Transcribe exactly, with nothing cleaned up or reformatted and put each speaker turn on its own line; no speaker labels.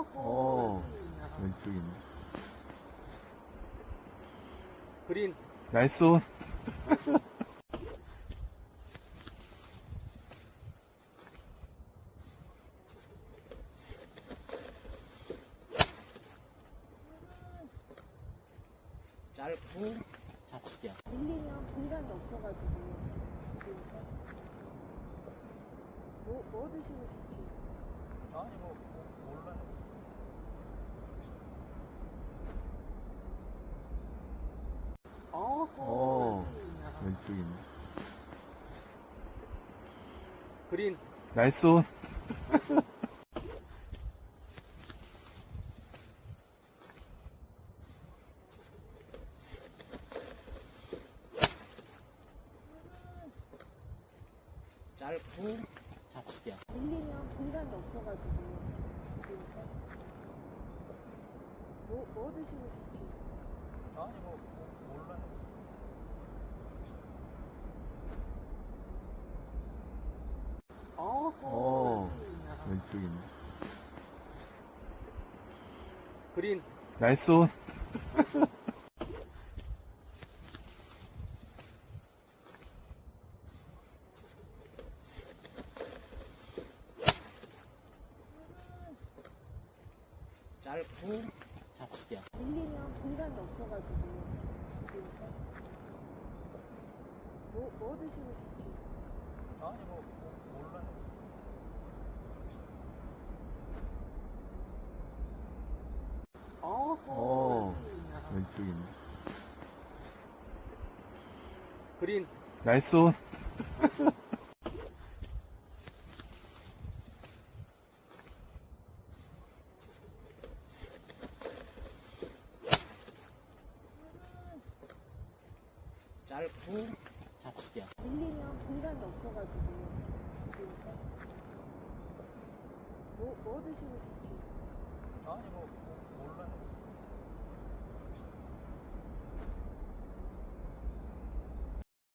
어, 왼쪽이네.
그린.
나이스 온.
짧고 잡을게요.
밀리면 공간이 없어가지고. 그러니까. 뭐, 뭐 드시고 싶지?
아니 뭐, 뭐 몰라요.
어, 왼쪽이네.
그린.
나이스 온.
짧고 잡을게요.
밀리면 공간이 없어가지고. 그러니까. 뭐, 뭐 드시고 싶지?
아니 뭐, 뭐 몰라요.
어, 왼쪽이네.
그린.
나이스 온.
짧고 잡을게요.
밀리면 공간이 없어가지고. 그러니까. 뭐, 뭐 드시고 싶지?
아니 뭐, 뭐 몰라요.
어, 왼쪽이네.
그린.
나이스 온.
짧고 잡을게요.
밀리면 공간이 없어가지고. 그러니까. 뭐, 뭐 드시고 싶지?
아니 뭐,